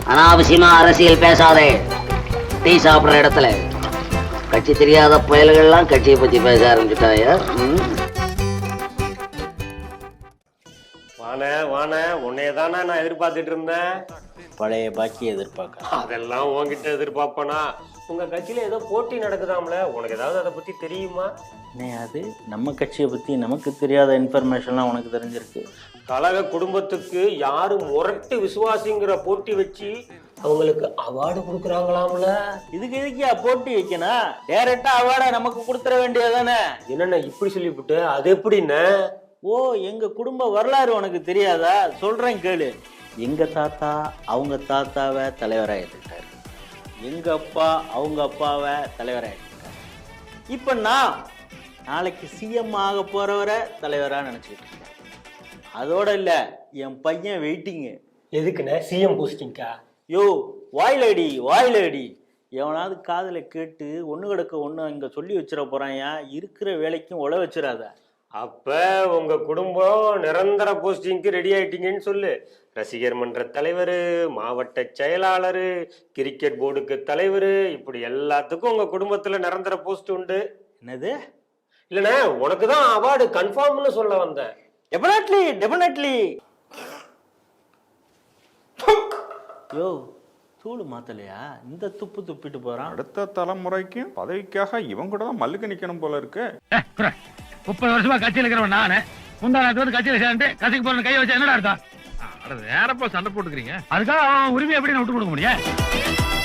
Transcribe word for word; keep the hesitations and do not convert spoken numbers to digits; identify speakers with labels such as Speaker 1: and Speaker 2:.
Speaker 1: அனாவசியமா அரசியல் பேசாதே. டீ சாப்பிடுற இடத்துல கட்சி தெரியாத புயல்கள்லாம் கட்சியை பத்தி பேச ஆரம்பிச்சுட்டாயா?
Speaker 2: வானே வானே உன்னையதானே நான் எதிர்பார்த்துட்டு இருந்தேன்.
Speaker 3: பழைய பாக்கி எதிர்பார்க்க
Speaker 2: அதெல்லாம் உன்கிட்ட எதிர்பார்ப்பனா? உங்க கட்சியில ஏதோ போட்டி நடக்குதாம்ல, உனக்கு ஏதாவது அதை பத்தி தெரியுமா?
Speaker 3: அது நம்ம கட்சியை பத்தி நமக்கு தெரியாத இன்ஃபர்மேஷன்லாம் உனக்கு தெரிஞ்சிருக்கு.
Speaker 2: கழக குடும்பத்துக்கு யாரு முரட்டு விசுவாசிங்கிற போட்டி வச்சு அவங்களுக்கு அவார்டு கொடுக்குறாங்களாம்ல.
Speaker 3: இதுக்கு எதுக்கியா போட்டி வைக்கணும்? டைரக்டா அவார்டை நமக்கு கொடுத்துட வேண்டியதானே.
Speaker 2: என்னென்ன இப்படி சொல்லிவிட்டு? அது எப்படின்னு?
Speaker 3: ஓ, எங்க குடும்ப வரலாறு உனக்கு தெரியாதா? சொல்றேன் கேளு. எங்க தாத்தா அவங்க தாத்தாவை தலைவராக ஏற்றுக்கிட்டாரு. எங்க அப்பா அவங்க அப்பாவை தலைவராக ஏற்றுக்கிட்டாரு. இப்ப நான் நாளைக்கு சிஎம் ஆக போறவரை தலைவரா நினைச்சுக்கிட்டு இருக்கேன். அதோட இல்ல, என் பையன் வெயிட்டிங்கு.
Speaker 2: எதுக்குண்ணே? சிஎம் போஸ்டிங்கா?
Speaker 3: யோ, வாயிலடி வாயிலடி. எவனாவது காதலை கேட்டு ஒண்ணு கிடக்க ஒண்ணு இங்க சொல்லி வச்சிட போறான்யா. இருக்கிற வேலைக்கும் உழ வச்சிடாத.
Speaker 2: அப்ப உங்க குடும்பம் நிரந்தர போஸ்டிங்க்கு ரெடி ஆயிட்டீங்கன்னு சொல்லு. ரசிகர் மன்ற தலைவர், மாவட்ட செயலாளர், கிரிக்கெட் போர்டுக்கு தலைவர், இப்படி எல்லாத்துக்கும் உங்க குடும்பத்துல நிரந்தர போஸ்ட் உண்டு.
Speaker 3: என்னது?
Speaker 2: இல்லண்ணே, உனக்குதான் அவார்டு கன்ஃபார்ம்னு சொல்ல வந்தேன்.
Speaker 3: Definitely definitely. யோ, தூளு மாத்தலையா? இந்த துப்பு துப்பிட்டு போறான்.
Speaker 4: அடுத்த தலைமுறைக்கு பதவிக்காக இவங்க கூட தான் மல்லுக்கு நிக்கணும் போல இருக்கு.
Speaker 5: முப்பது வருஷமா கட்சியில் இருக்கிறவன் நானு. முந்தா நாட்டு வந்து கட்சியில சேர்ந்து கட்சிக்கு போற கையை வச்சா என்னடா அர்த்தம்? வேறப்பா சண்டை போட்டுக்கிறீங்க. அதுக்காக அவன் உரிமை எப்படி விட்டு கொடுக்க முடியும்?